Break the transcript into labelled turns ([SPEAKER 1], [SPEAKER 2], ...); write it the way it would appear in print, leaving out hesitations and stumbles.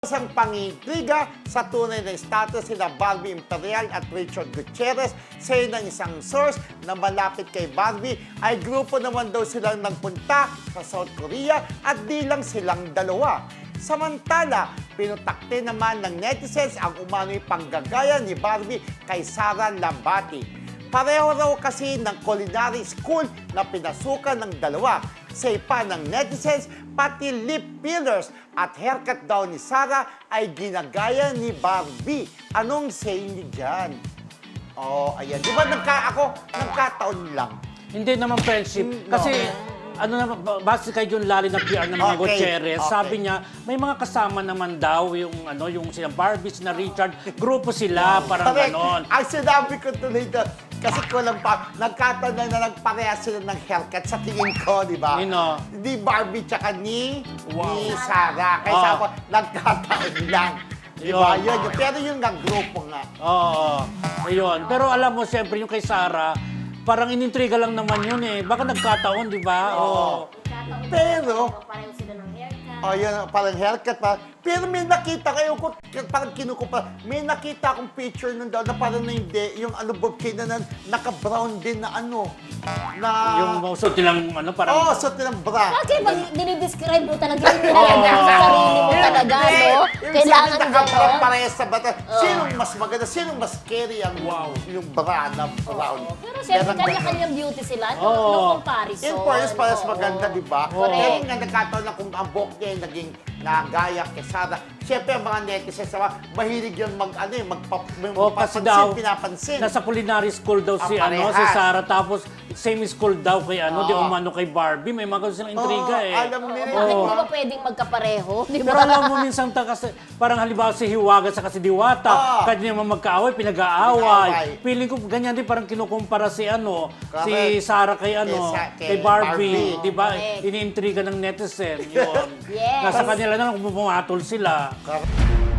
[SPEAKER 1] Isang pangintriga sa tunay na status sina Barbie Imperial at Richard Gutierrez. Say ng isang source na malapit kay Barbie ay grupo naman daw silang nagpunta sa South Korea at di lang silang dalawa. Samantala, pinutakte naman ng netizens ang umano'y panggagaya ni Barbie kay Sara Labati. Pareho raw kasi ng culinary school na pinasukan ng dalawa. Say pa ng netizens, pati lip fillers at haircut daw ni Sara ay ginagaya ni Barbie. Anong say niyo dyan? Oh, ayan. Di ba nagkataon lang?
[SPEAKER 2] Hindi naman friendship. Kasi, ano naman, base kay John Lali ng PR ng mga Gutierrez, sabi niya, may mga kasama naman daw yung sila Barbie, sina Richard, grupo sila, parang
[SPEAKER 1] Correct.
[SPEAKER 2] ganon.
[SPEAKER 1] Ang sinabi ko tuloy doon, kasi kulang pa, nagkataon na nagparehas sila ng haircut sa tingin ko, di ba?
[SPEAKER 2] Nino?
[SPEAKER 1] Ni Barbie tsaka ni Sara. Kaya sabi ko, nagkataon lang. Di ba? Yun. Pero yun nga, grupo nga.
[SPEAKER 2] Oo, ayun. Pero alam mo, siyempre yung kay Sara, parang inintriga lang naman yun eh. Baka nagkataon, di ba? Oo.
[SPEAKER 1] Pero,
[SPEAKER 3] pareho sila ng haircut.
[SPEAKER 1] oh, yun, parang haircut pa. Pero may nakita kayo ko, parang kinukupa, may nakita akong picture nun daw na parang na hindi, yung ano, Bob Kane na naka-brown din na ano, na...
[SPEAKER 2] Yung suot nilang parang...
[SPEAKER 1] Oo, suot nilang bra.
[SPEAKER 3] Bakit pag dinidescribe mo talaga, yung nilalagay sa sarili mo talaga, no? Kailangan gano'n.
[SPEAKER 1] Parehas sa bata. Sinong mas maganda? Sinong mas scary ang yung bra na brown?
[SPEAKER 3] Pero siyempre,
[SPEAKER 1] Meron ba
[SPEAKER 3] kanya-kanyang beauty sila.
[SPEAKER 2] Oo.
[SPEAKER 3] No comparison.
[SPEAKER 1] In fairness, parehas
[SPEAKER 3] Oo.
[SPEAKER 1] maganda, di ba?
[SPEAKER 3] Correct.
[SPEAKER 1] Kaya nga nagkataon na kung ang buhok niya ay naging nagaya kay Sara. Siyempre, ang mga netizens, mahilig yun
[SPEAKER 2] kasi daw,
[SPEAKER 1] pinapansin.
[SPEAKER 2] nasa culinary school daw si
[SPEAKER 1] Parehas.
[SPEAKER 2] si Sara, tapos same school daw kay di umano kay Barbie. May mga silang intriga eh.
[SPEAKER 1] Alam nila.
[SPEAKER 3] Bakit di ba pwedeng magkapareho? Di ba?
[SPEAKER 2] Pero alam mo minsan kasi parang halimbawa si Hiwaga sa si Diwata, kanya naman magkaaway, pinag-aaway. Feeling ko ganyan din parang kinukumpara si si Sara kay kay Barbie,
[SPEAKER 1] Barbie.
[SPEAKER 2] 'di ba?
[SPEAKER 3] Correct.
[SPEAKER 2] Iniintriga ng netizen 'yon.
[SPEAKER 3] Yes.
[SPEAKER 2] Nasa kanila na kung pumatol sila.